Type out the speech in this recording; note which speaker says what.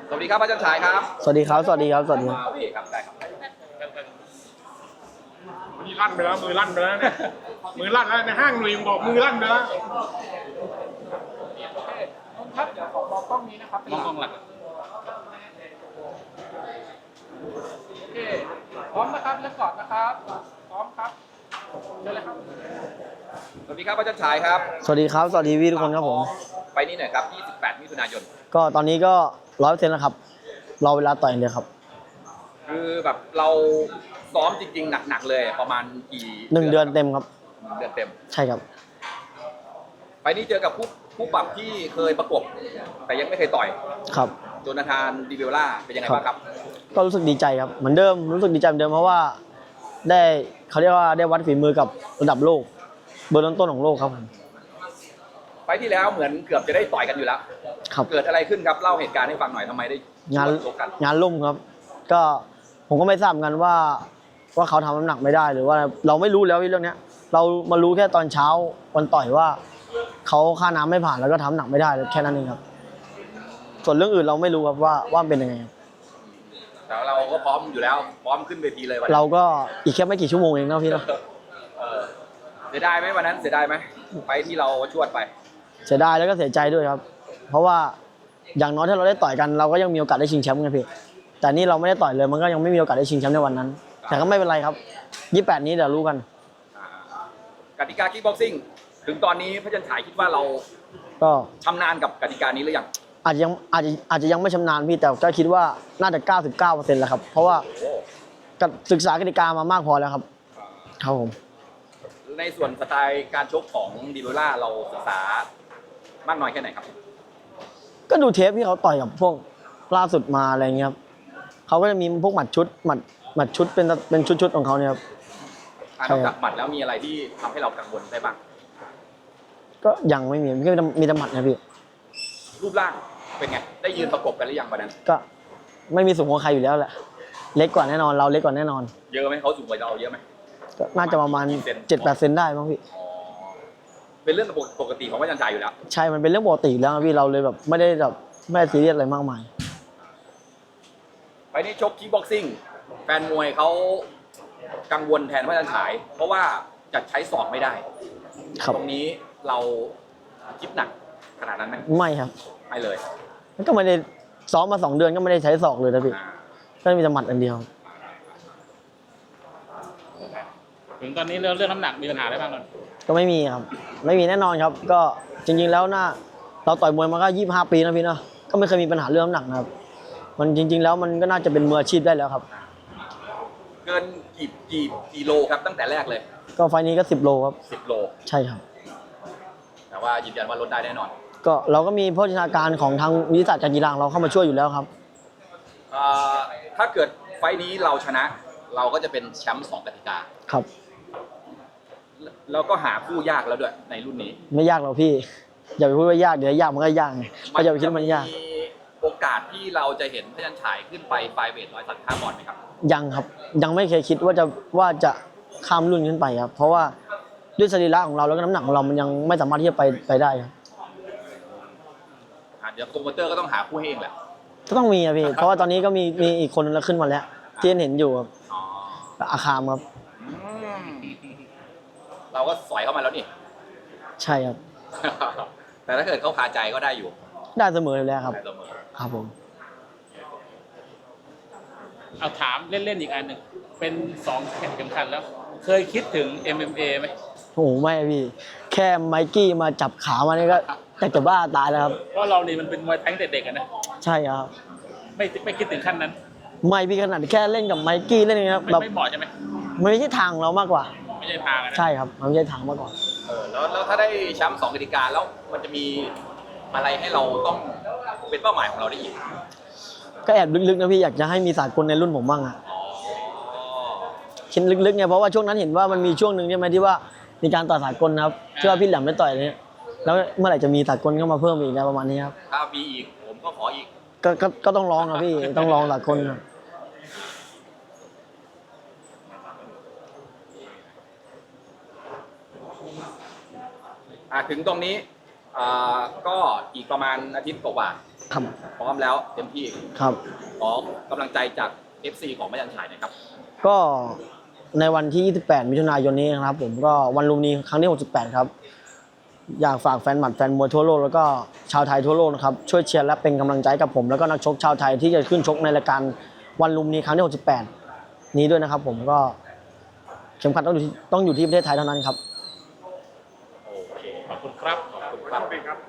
Speaker 1: สวัสดีครับอาจารย์ชายครับ
Speaker 2: สวัสดีครับสวัสดีครับสวัสดีครับ
Speaker 1: โอเคครับได้ครับ
Speaker 3: นี่ลั่นไปแล้วมือลั่นไปแล้วเนี่ยมือลั่นแล้วในห้างหนุ่ยบอกมือลั่นไปแล้ว
Speaker 1: ครับเดี๋ยวขอมองกล้องนี้นะครับมองกล้องหลักโอเคพร้อมนะครับเริ่มก่อนนะครับพร้อมครับเชิญเลยครับสวัสดีครับอาจารย์ชายครับ
Speaker 2: สวัสดีครับสวัสดีพี่ทุกคนครับผม
Speaker 1: ไปนี่หน่อยครับ28มิถุนายน
Speaker 2: ก็ตอนนี้ก็100%แล้วครับรอเวลาต่อยอย่างเดียวครับ
Speaker 1: คือแบบเราซ้อมจริงๆหนักๆเลยประมาณกี่
Speaker 2: 1 เดือนเต็มครับ
Speaker 1: เดือนเต็ม
Speaker 2: ใช่ครับ
Speaker 1: ไปนี่เจอกับผู้ปรับที่เคยประกบแต่ยังไม่เคยต่อย
Speaker 2: ครับ
Speaker 1: โจนาธานดิเวล่าเป็นยังไงบ้างครับ
Speaker 2: ก็รู้สึกดีใจครับเหมือนเดิมรู้สึกดีใจเหมือนเดิมเพราะว่าได้เขาเรียกว่าได้วัดฝีมือกับระดับโลกเบอร์ต้นๆของโลกครับผม
Speaker 1: ไฟล์ที่แล้วเหมือนเกือบจะได้ต่อยกันอยู่แล้ว
Speaker 2: ครับ
Speaker 1: เกิดอะไรขึ้นครับเล่าเหตุการณ์ให้ฟังหน่อยทำไมได้
Speaker 2: งาน
Speaker 1: ชกกัน
Speaker 2: งานลุ่มครับ ก็ผมก็ไม่ทราบเหมือนกันว่าเขาทำน้ำหนักไม่ได้หรือว่าเราไม่รู้แล้วเรื่องเนี้ยเรามารู้แค่ตอนเช้าวันต่อยว่าเขาค่าน้ำไม่ผ่านแล้วก็ทำน้ำหนักไม่ได้แค่นั้นเองครับ ส่วนเรื่องอื่นเราไม่รู้ครับว่าเป็นยังไงครับ
Speaker 1: แต่เราก็พร้อมอยู่แล้วพร้อมขึ้นเวทีเลยวันนั้น
Speaker 2: เราก็อีกแค่ไม่กี่ชั่วโมงเองนะพี่เนาะ
Speaker 1: เออเสียดายไหมวันนั้นเสียดายไหมไฟล์ที่เราชวดไป
Speaker 2: เสียดายแล้วก็เสียใจด้วยครับ เพราะว่าอย่างน้อยถ้าเราได้ต่อยกันเราก็ยังมีโอกาสได้ชิงแชมป์ไงพี่แต่นี่เราไม่ได้ต่อยเลยมันก็ยังไม่มีโอกาสได้ชิงแชมป์ในวันนั้น แต่ก็ไม่เป็นไรครับ28นี้เดี๋ยวรู้กัน
Speaker 1: กติกาคิกบ็อกซิ่งถึงตอนนี้พระจันทร์ฉายคิดว่าเรา
Speaker 2: ก็
Speaker 1: ชำนาญกับกติกานี้หรือยัง
Speaker 2: อาจจะยังไม่ชำนาญพี่แต่ก็คิดว่าน่าจะ99%แล้วครับเพราะว่า
Speaker 1: โอ้
Speaker 2: ศึกษากติกามามากพอแล้วครับครับผม
Speaker 1: ในส่วนสไตล์การชกของดิเวล่าเราศึกษามากน้อยแค่ไหนครับ
Speaker 2: ก็ดูเทปที่เขาต่อยกับพวกล่าสุดมาอะไรเงี้ยครับเขาก็จะมีพวกหมัดชุดหมัดชุดเป็นชุดของเขาเนี่ยครับ
Speaker 1: นอกจากหมัดแล้วมีอะไรที่ทำให้เรากังวลได้บ้าง
Speaker 2: ก็ยังไม่มีมีแต่หมัดนะพี่
Speaker 1: รูปร่างเป็นไง ได้ยืนประกบกันหรือยังวันนั้น
Speaker 2: ก็ไม่มีสูงกว่าใครอยู่แล้วแหละเล็กกว่าแน่นอนเราเล็กกว่าแน่นอน
Speaker 1: เยอะไหมเขาสูงกว่าเราเยอะไหม
Speaker 2: ก็น่าจะประมาณ 7-8 เซนได้มั้งพี่
Speaker 1: อ๋อเป็นเรื่องปกติของพระจันทร์ฉายอยู่แล้ว
Speaker 2: ใช่มันเป็นเรื่องปกติแล้วครับพี่เราเลยแบบไม่ได้ซีเรียสอะไรมากมาย
Speaker 1: ไปนี่ชกคิกบ็อกซิ่งแฟนมวยเขากังวลแทนพระจันทร์ฉาย เพราะว่าจะใช้ศอกไม่ได้
Speaker 2: ครับ
Speaker 1: ตรงนี้เราคิดหนักขนาดนั้นไหม
Speaker 2: ไม่ครับ
Speaker 1: ไม่เลย
Speaker 2: มันก็ไม่ได้ซ้อมมา2 เดือนก็ไม่ได้ใช้ศอกเลยนะพี่
Speaker 1: อ่า
Speaker 2: ก็มีแต่หมัดอันเดียว
Speaker 4: ถึงตอนนี้เรื่องน้ำหนักมีปัญหาอะไรบ้างก่อน
Speaker 2: ก็ไม่มีครับ ไม่มีแน่นอนครับ ก็จริงๆแล้วเราต่อยมวยมาก็25 ปีนะพี่เนาะก็ไม่เคยมีปัญหาเรื่องน้ำหนักนะครับมันจริง ๆ แล้วมันก็น่าจะเป็นมืออาชีพได้แล้วครับ
Speaker 1: เกินกี่โลครับตั้งแต่แรกเลย
Speaker 2: ก็ไฟล์นี้ก็10 โลครับ
Speaker 1: 10 โล
Speaker 2: ใช่ครับ
Speaker 1: แต่ว่ายืนยันว่าลดได้แน่นอน
Speaker 2: ก็เราก็มีโภชนาการของทางวิทยาศาสตร์การกีฬาของเราเข้ามาช่วยอยู่แล้วครับ
Speaker 1: ถ้าเกิดไฟท์นี้เราชนะ เราก็จะเป็นแชมป์2กติกา
Speaker 2: ครับ
Speaker 1: แล้วก็หาคู่ยากแล้วด้วยในรุ่นนี้
Speaker 2: ไม่ยากหรอกพี่ อย่าไปพูดว่ายากเดี๋ยวยากมันก็ยากไงก็อย่าไปคิดว่ามันยาก
Speaker 1: มีโอกาสที่เราจะเห็นพระจันทร์ฉายขึ้นไปไฟเวท135 ปอนด์ไหมครับ
Speaker 2: ยังครับยังไม่เคยคิดว่าจะข้ามรุ่นขึ้นไปครับ เพราะว่าด้วยสรีระของเราแล้วก็น้ำหนักของเรามันยังไม่สามารถที่จะไปได้ครับ
Speaker 1: เดี๋ยวโปรโมเตอร์ก็ต้องหาคู่ให้เองแหละ
Speaker 2: ก็ต้องมีอะพี่ เพราะว่าตอนนี้ก็มีอีกคนนึงแล้วขึ้นมาแล้วที่เห็นอยู่ครับ
Speaker 1: อ๋อ
Speaker 2: อาคามครับ
Speaker 1: อืมเราก็สอยเข้ามาแล้วนี่
Speaker 2: ใช่ครับ
Speaker 1: แต่ถ้าเกิดเขาคาใจก็ได้อยู่
Speaker 2: ได้เสมออยู่แล้วครับ
Speaker 1: ได้เสมอ
Speaker 2: ครับผม
Speaker 4: เอาถามเล่นๆอีกอันหนึ่งเป็น2แข่งสำคัญแล้ว เคยคิดถึง MMA ไหม
Speaker 2: โอ้โหไม่อะพี่ แค่ไมกี้มาจับขามานี่ก็จะบ้าตายแล้วครับ
Speaker 4: เพราะเรานี่มันเป็นมวยไทยตั้งแต่เด็กอะนะ
Speaker 2: ใช่ครับ
Speaker 4: ไม่คิดถึงขั้นนั้น
Speaker 2: ไม่พี่ขนาดแค่เล่นกับไมกี้เล่นอย่างเงี้ยแบบ
Speaker 4: ไม่เหมาะใช่ไหม
Speaker 2: มันไม่ใช่ทางของเรามากกว่า
Speaker 4: ไม่ใช่ทางอะนะ
Speaker 2: ใช่ครับมันไม่ใช่ทางมากกว่า
Speaker 1: แล้วถ้าได้แชมป์2กติกาแล้วมันจะมีอะไรให้เราต้องเป็นเป้าหมายของเราได้อีก
Speaker 2: ก็แอบลึกๆนะพี่อยากจะให้มีสากลในรุ่นผมบ้างอะ
Speaker 1: อ๋อ
Speaker 2: คิดลึกๆไงเพราะว่าช่วงนั้นเห็นว่ามันมีช่วงหนึ่งใช่ไหมที่ว่ามีการต่อสากลนะครับที่ว่าพี่แหลมได้ต่อยอะไรเนี่ยแล้วเมื่อไหร่จะมีสากลเข้ามาเพิ่มอีกนะประมาณนี้ครับ
Speaker 1: ถ้ามีอีกผมก็ขออีก
Speaker 2: ก็ต้องลองครับพี่ต้องลองสากลครับ
Speaker 1: ถึงตรงนี้ก็อีกประมาณอาทิตย์กว่า
Speaker 2: ครับ
Speaker 1: พร้อมแล้วเต็มที่
Speaker 2: ครับ
Speaker 1: ขอกำลังใจจาก FC ของพยัญชนะหน่อยครับ
Speaker 2: ก็ในวันที่ 28 มิถุนายนนี้นะครับผมก็วันลุมพินีครั้งที่ 68 ครับ อยากฝากแฟนหมัดแฟนมวยทั่วโลกแล้วก็ชาวไทยทั่วโลกนะครับช่วยเชียร์และเป็นกำลังใจกับผมแล้วก็นักชกชาวไทยที่จะขึ้นชกในรายการวันลุมพินีครั้งที่ 68 นี้ด้วยนะครับผมก็เข็มขัดต้องอยู่ที่ประเทศไทยเท่านั้นครับ
Speaker 1: โอเค
Speaker 4: ขอบคุณครับ
Speaker 1: ขอบคุณครับ
Speaker 3: ครับ